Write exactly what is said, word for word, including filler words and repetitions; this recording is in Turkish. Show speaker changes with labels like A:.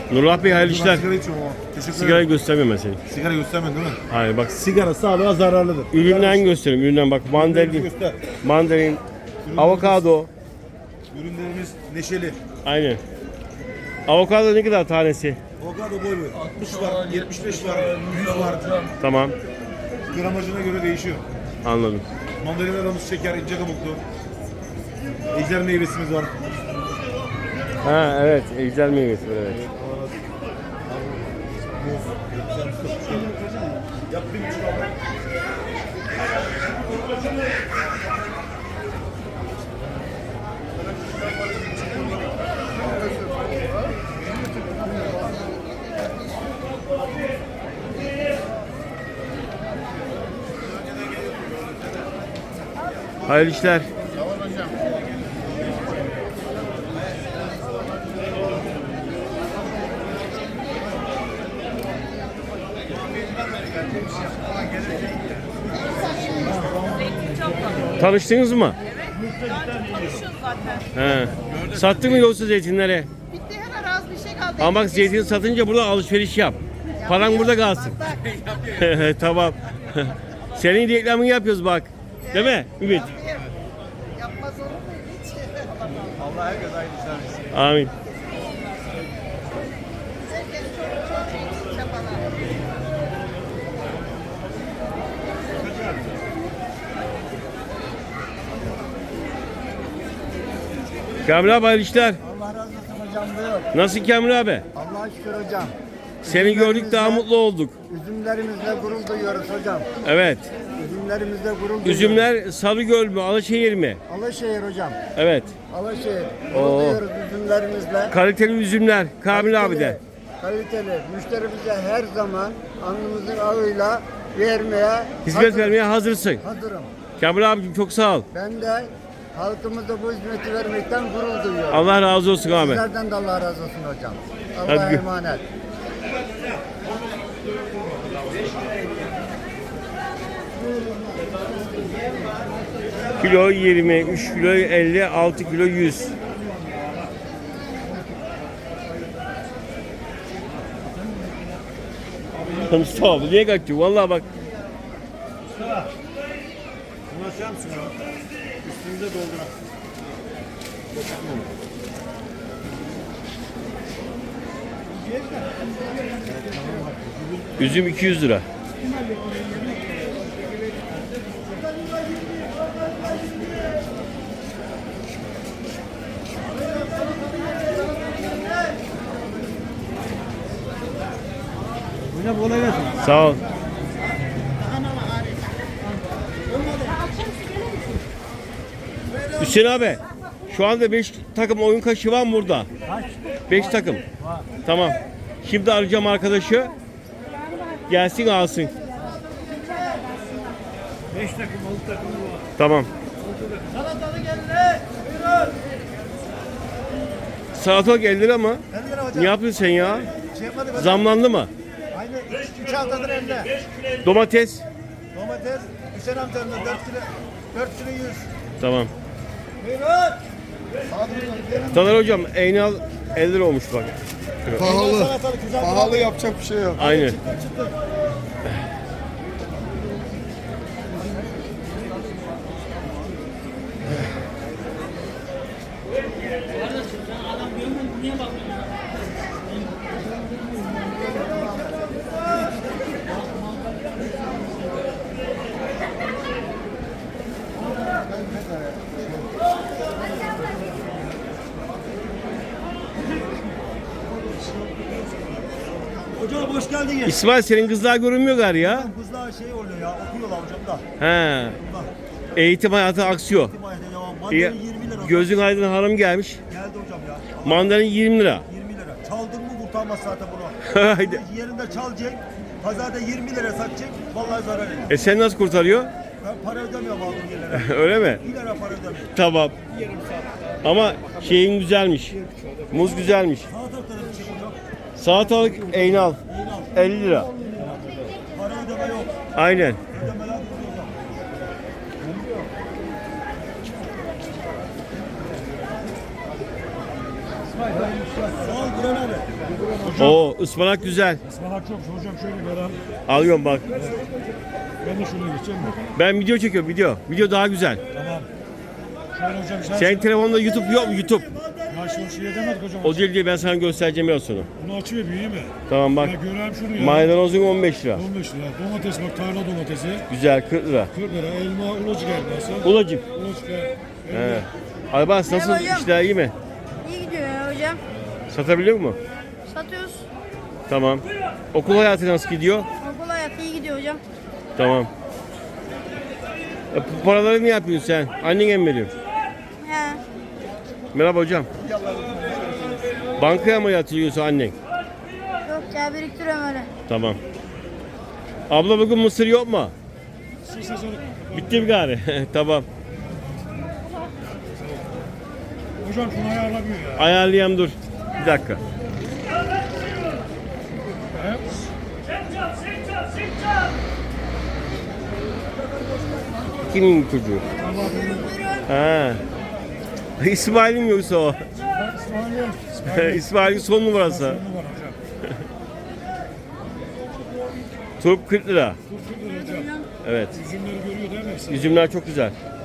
A: Nurullah Bey hayırlı işler.
B: Sigara içiyorum ama. Teşekkür
A: Sigarayı
B: ederim.
A: göstermiyorum ben seni.
B: Sigara göstermedin değil mi?
A: Hayır bak
B: Sigara sağlığa zararlıdır.
A: üründen göstereyim. Üründen bak mandalin,
B: Göster.
A: mandalin, avokado.
B: Ürünlerimiz neşeli.
A: Aynen. Avokado ne kadar tanesi?
B: Avokado boy boy. altmış var, yetmiş beş var, yüz var.
A: Tamam.
B: Gramajına göre değişiyor.
A: Anladım.
B: Mandalinalarımız şeker, ince kabuklu. Ejder meyvesimiz var.
A: Ha evet. Ejder meyvesi var evet.
B: Yap bir buçuk al.
A: Hayırlı işler. Tanıştınız mı?
C: Konuşuyoruz zaten.
A: He. Sattın mı yoksa zeytinleri?
C: Bitti hemen az bir şey kaldı.
A: Ama bak zeytin satınca burada alışveriş yap. Paran burada kalsın. Tamam. Senin reklamını yapıyoruz bak. Değil mi Ümit?
C: Yapmaz olur mu hiç?
B: Allah herkes aynı işler.
A: Amin.
C: Herkes çok çok iyi çabalar.
A: Kamil abi hayırlı işler.
D: Allah razı olsun hocam buyur.
A: Nasıl Kamil abi?
D: Allah'a şükür hocam.
A: Seni gördük daha mutlu olduk.
D: Üzümlerimizle gurur duyuyoruz hocam.
A: Evet.
D: Üzümlerimizle gurur duyuyoruz.
A: Üzümler Sarıgöl mü? Alaşehir mi?
D: Alaşehir hocam.
A: Evet.
D: Alaşehir. Gurur
A: Oo.
D: duyuyoruz üzümlerimizle.
A: Kaliteli üzümler. Kamil abi de.
D: Kaliteli. Müşterimize her zaman alnımızın ağıyla vermeye
A: Hizmet
D: hazır-
A: vermeye hazırsın.
D: hazırım.
A: Kamil abicim çok sağ ol.
D: Ben de halkımıza bu hizmeti vermekten gurur duyuyorum.
A: Allah razı olsun abi.
D: Sizlerden de Allah razı olsun hocam.
A: Hadi
D: Allah'a
A: gö-
D: emanet.
A: Kilo yirmi, üç kilo elli, altı kilo yüz. Mustafa abi niye kaçıyor? Vallahi bak.
B: Bunu açar mısın ya? Üstünüze dolduran.
A: Üzüm iki yüz lira.
B: Hocam kolay gelsin.
A: Sağ ol. Hüseyin abi, şu anda beş takım oyun kaşı var mı burada? beş takım. Tamam. Şimdi arayacağım arkadaşı. Gelsin alsın.
B: beş takım, altı takım var.
A: Tamam.
B: Salatalık elli. Buyurun.
A: Salatalık elli lira mı?
B: elli lira hocam.
A: Ne yapıyorsun sen ya?
B: Şey yapmadık hocam.
A: Zamlandı mı?
B: Aynı üç haftadır elli.
A: Domates?
B: Domates Hüseyin amcanın dört kilo, dört kilo yüz.
A: Tamam.
B: Buyurun.
A: Taner hocam Eynal elli lira olmuş bak.
B: Pahalı. Salatalık güzel.
D: Pahalı yapacak bir şey yok.
A: Aynen.
B: Çıtır çıtır. Hocam hoş geldiniz.
A: İsmail senin kızlar görünmüyor gari ya.
B: Kızlar şey oluyor ya, okuyorlar hocam da.
A: He.
B: Bunlar.
A: Eğitim hayatı aksıyor.
B: İtimayete devam.
A: İyi.
B: Mandalin yirmi lira. hocam.
A: Gözün aydın hanım gelmiş.
B: Geldi hocam ya.
A: Mandalin yirmi lira.
B: yirmi lira. Çaldın mı kurtarmaz zaten bunu.
A: Haydi.
B: Yerinde çalacak. Pazarda yirmi lira satacak. Vallahi zarar eder.
A: E sen nasıl kurtarıyor?
B: Ben para ödemiyorum aldığım yerlere.
A: Öyle mi?
B: bir lira para ödemiyorum.
A: Tamam. Ama şeyin güzelmiş. Muz güzelmiş.
B: Salatalıkta da bir şey hocam.
A: Salatalık Eynal elli lira.
B: Para ödeme yok.
A: Aynen.
B: Ödemeler yok hocam. Sağ ol Buran abi.
A: Oo ıspanak güzel.
B: Ispanak çok. Hocam şöyle ver abi.
A: Alıyorum bak.
B: Ben de şuraya geçeceğim mi?
A: Ben video çekiyorum video. Video daha güzel.
B: Tamam. Şöyle hocam sen...
A: Senin telefonda YouTube yok mu? YouTube.
B: Ya şu şey demedik hocam.
A: O değil diye ben sana göstereceğim biraz sonra.
B: Bunu açıyor büyüğü mü?
A: Tamam bak.
B: Ya göreyim şunu ya.
A: Maydanozun on beş lira.
B: on beş lira. Domates bak tarla domatesi.
A: Güzel kırk lira.
B: kırk lira. Elma ulacık elması.
A: Ulacık.
B: Ulacık ya.
A: He. Aybars nasıl
E: Merhaba hocam.
A: işler iyi mi?
E: İyi gidiyor ya hocam.
A: Satabiliyor mu?
E: Satıyoruz.
A: Tamam. Okul hayatı nasıl gidiyor?
E: Okul hayatı iyi gidiyor hocam.
A: Tamam. E, bu paraları ne yapıyorsun sen? Annene mi veriyorsun?
E: He.
A: Merhaba hocam. Bankaya mı yatırıyorsun annen?
E: Yok ya biriktiriyorum öyle.
A: Tamam. Abla bugün mısır yok mu?
B: Su sezonu.
A: Bitti mi gari? Tamam.
B: Hocam şunu ayarlamıyor ya.
A: Ayarlayayım dur. Bir dakika.
B: He?
A: Kimin çocuğu? Ha. İsmail'in yoksa o.
B: İsmail yok. İsmail yok.
A: İsmail'in son numarası.
B: Sorunu var hocam.
A: Turp kırk lira.
B: Dur kırk lira hocam.
A: Evet.
B: Üzümleri görüyor değil mi?
A: Üzümler çok güzel.